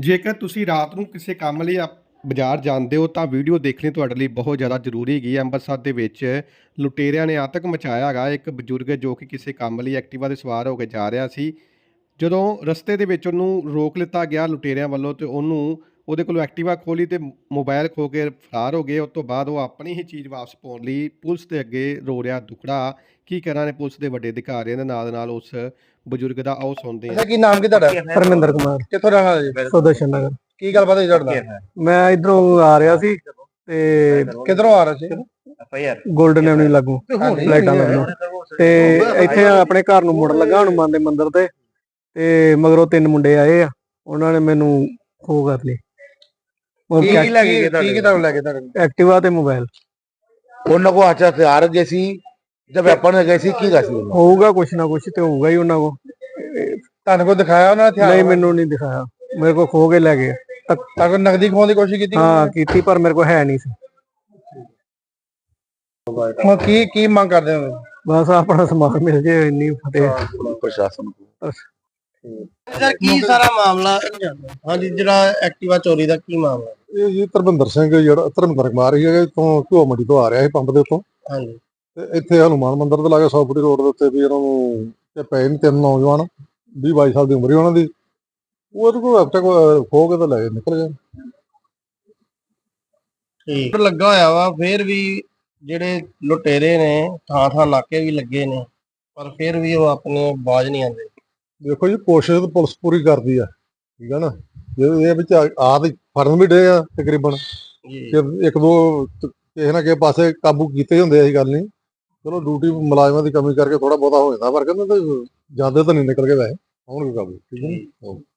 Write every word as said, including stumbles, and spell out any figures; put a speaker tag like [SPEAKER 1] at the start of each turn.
[SPEAKER 1] ਜੇਕਰ ਤੁਸੀਂ ਰਾਤ ਨੂੰ ਕਿਸੇ ਕੰਮ ਲਈ ਆਪ ਬਾਜ਼ਾਰ ਜਾਂਦੇ ਹੋ ਤਾਂ ਵੀਡੀਓ ਦੇਖਣੀ ਤੁਹਾਡੇ ਲਈ ਬਹੁਤ ਜ਼ਿਆਦਾ ਜ਼ਰੂਰੀ ਹੈਗੀ ਹੈ। ਅੰਮ੍ਰਿਤਸਰ ਦੇ ਵਿੱਚ ਲੁਟੇਰਿਆਂ ਨੇ ਆਤੰਕ ਮਚਾਇਆ ਹੈਗਾ। ਇੱਕ ਬਜ਼ੁਰਗ ਜੋ ਕਿ ਕਿਸੇ ਕੰਮ ਲਈ ਐਕਟਿਵਾ 'ਤੇ ਸਵਾਰ ਹੋ ਕੇ ਜਾ ਰਿਹਾ ਸੀ। ਜਦੋਂ ਰਸਤੇ ਦੇ ਵਿੱਚ ਉਹਨੂੰ ਰੋਕ ਲਿੱਤਾ ਗਿਆ ਲੁਟੇਰਿਆਂ ਵੱਲੋਂ ਤੇ ਉਹਨੂੰ ਉਹਦੇ ਕੋਲੋਂ ਐਕਟਿਵਾ ਖੋਲੀ ਤੇ ਮੋਬਾਈਲ ਖੋ ਕੇ ਫਰਾਰ ਹੋ ਗਏ। ਉਸ ਤੋਂ ਬਾਅਦ ਉਹ ਆਪਣੀ ਹੀ ਚੀਜ਼ ਵਾਪਸ ਪਾਉਣ ਲਈ ਪੁਲਿਸ ਦੇ ਅੱਗੇ ਰੋ ਰਿਹਾ ਦੁਖੜਾ। ਕੀ ਕਰਾਂ ਨੇ ਪੁਲਿਸ ਦੇ ਵੱਡੇ ਅਧਿਕਾਰੀਆਂ ਦੇ ਨਾਲ ਨਾਲ ਉਸ ਬਜ਼ੁਰਗ ਦਾ ਆਓ ਸੁਣਦੇ ਹਾਂ।
[SPEAKER 2] ਅੱਛਾ, ਕੀ ਨਾਮ ਕੀ ਤੁਹਾਡਾ?
[SPEAKER 3] ਧਰਮਿੰਦਰ ਕੁਮਾਰ,
[SPEAKER 2] ਕਿੱਥੋਂ ਰਹਿਣ ਵਾਲੇ ਜੀ?
[SPEAKER 3] ਸੁਦਰਸ਼ਨ ਨਗਰ।
[SPEAKER 2] ਕੀ ਗੱਲਬਾਤ ਹੋਈ ਤੁਹਾਡੇ ਨਾਲ?
[SPEAKER 3] ਮੈਂ ਇਧਰੋਂ ਆ ਰਿਹਾ ਸੀ ਤੇ
[SPEAKER 2] ਕਿੱਧਰੋਂ ਆ ਰਹੇ ਸੀ?
[SPEAKER 3] ਗੋਲਡਨ ਐਵਨਿਊ ਲੱਗੂ ਲਾਈਟਾਂ ਲੱਗੂ ਤੇ ਇੱਥੇ ਆਪਣੇ ਘਰ ਨੂੰ ਮੁੜਨ ਲੱਗਾ ਹਨੂੰਮਾਨ ਦੇ ਮੰਦਿਰ ਤੇ ਤੇ ਮਗਰੋਂ ਤਿੰਨ ਮੁੰਡੇ ਆਏ ਆ, ਉਹਨਾਂ ਨੇ ਮੈਨੂੰ ਖੋ ਕਰ ਲਈ।
[SPEAKER 2] ਕੀ ਲੈ ਕੇ ਗਏ? ਕੀ ਤੁਹਾਨੂੰ ਲੈ ਕੇ ਤੁਹਾਡੇ?
[SPEAKER 3] ਐਕਟਿਵਾ ਤੇ ਮੋਬਾਈਲ।
[SPEAKER 4] ਉਹਨਾਂ ਕੋ ਅੱਛਾ ਹਥਿਆਰ ਗਏ ਸੀ ਜਦ ਵੈਪਨ ਗਏ ਸੀ, ਕੀ ਸੀ?
[SPEAKER 3] ਹੋਊਗਾ ਕੁਛ ਨਾ ਕੁਛ ਤੇ ਹੋਊਗਾ ਹੀ ਉਹਨਾਂ ਕੋ।
[SPEAKER 2] ਤੁਹਾਨੂੰ ਕੋ ਦਿਖਾਇਆ ਉਹਨਾਂ ਨੇ ਹਥਿਆਰ?
[SPEAKER 3] ਨਹੀਂ, ਮੈਨੂੰ ਨਹੀਂ ਦਿਖਾਇਆ, ਮੇਰੇ ਕੋ ਖੋ ਕੇ ਲੈ ਗਏ।
[SPEAKER 2] ਤੁਹਾਨੂੰ ਨਕਦੀ ਖੋਣ ਦੀ ਕੋਸ਼ਿਸ਼ ਕੀਤੀ?
[SPEAKER 3] ਹਾਂ ਕੀਤੀ, ਪਰ ਮੇਰੇ ਕੋ ਹੈ ਨਹੀਂ ਸੀ।
[SPEAKER 2] ਹੁਣ ਕੀ ਕੀ ਮੰਗ ਕਰਦੇ ਹੋ?
[SPEAKER 3] ਬਸ ਆਪਣਾ ਸਮਾਨ ਮਿਲ ਜੇ, ਇੰਨੀ ਫਤਿਹ
[SPEAKER 4] ਪ੍ਰਸ਼ਾਸਨ ਕੋ।
[SPEAKER 2] ਸਰ, ਕੀ ਸਾਰਾ ਮਾਮਲਾ? ਹਾਂਜੀ, ਜਿਹੜਾ ਐਕਟਿਵਾ ਚੋਰੀ ਦਾ ਕੀ ਮਾਮਲਾ?
[SPEAKER 5] ਇਹ ਜੀ ਧਰਮਿੰਦਰ ਸਿੰਘ, ਜਿਹੜਾ ਧਰਮਿੰਦਰ ਕੁਮਾਰ ਹੀ ਹੈ ਤੋਂ ਘਿਓ ਮੰਡੀ ਤੋਂ ਆ ਰਿਹਾ ਸੀ ਪੰਪ ਦੇ ਉੱਤੋਂ।
[SPEAKER 2] ਹਾਂਜੀ।
[SPEAKER 5] ਤੇ ਇੱਥੇ ਹਨੂੰਮਾਨ ਮੰਦਿਰ ਦੇ ਲਾਗੇ ਸੌ ਫੁੱਟੀ ਰੋਡ ਦੇ ਉੱਤੇ ਵੀ ਇਹਨਾਂ ਨੂੰ ਤੇ ਪਏ ਨੇ ਤਿੰਨ ਨੌਜਵਾਨ, ਵੀਹ ਬਾਈ ਸਾਲ ਦੀ ਉਮਰ ਹੀ ਉਹਨਾਂ ਦੀ। ਉਹਦੇ ਕੋਲ ਹਫਤੇ ਖੋ ਕੇ ਤਾਂ ਲੈ ਨਿਕਲ ਗਏ।
[SPEAKER 2] ਠੀਕ ਲੱਗਾ ਹੋਇਆ ਵਾ, ਫੇਰ ਵੀ ਜਿਹੜੇ ਲੁਟੇਰੇ ਨੇ ਥਾਂ ਥਾਂ ਨਾਕੇ ਵੀ ਲੱਗੇ ਨੇ, ਪਰ ਫਿਰ ਵੀ ਉਹ ਆਪਣੇ ਬਾਜ਼ ਨਹੀਂ ਆਉਂਦੇ।
[SPEAKER 5] ਦੇਖੋ ਜੀ, ਕੋਸ਼ਿਸ਼ ਤਾਂ ਪੁਲਿਸ ਪੂਰੀ ਕਰਦੀ ਆ, ਠੀਕ ਆ ਨਾ। ਜੇ ਇਹ ਵਿੱਚ ਆ ਤੇ ਫੜਨ ਵੀ ਡੇ ਆ ਤਕਰੀਬਨ, ਇੱਕ ਦੋ ਕਿਸੇ ਨਾ ਕਿਸੇ ਪਾਸੇ ਕਾਬੂ ਕੀਤੇ ਹੁੰਦੇ, ਐਸੀ ਗੱਲ ਨਹੀਂ। ਚਲੋ ਡਿਊਟੀ ਮੁਲਾਜ਼ਮਾਂ ਦੀ ਕਮੀ ਕਰਕੇ ਥੋੜਾ ਬਹੁਤਾ ਹੋ ਜਾਂਦਾ, ਪਰ ਕਹਿੰਦੇ ਜਿਆਦਾ ਤਾਂ ਨਹੀਂ ਨਿਕਲ ਕੇ ਵੈਸੇ ਆਉਣਗੇ ਕਾਬੂ, ਠੀਕ ਹੈ।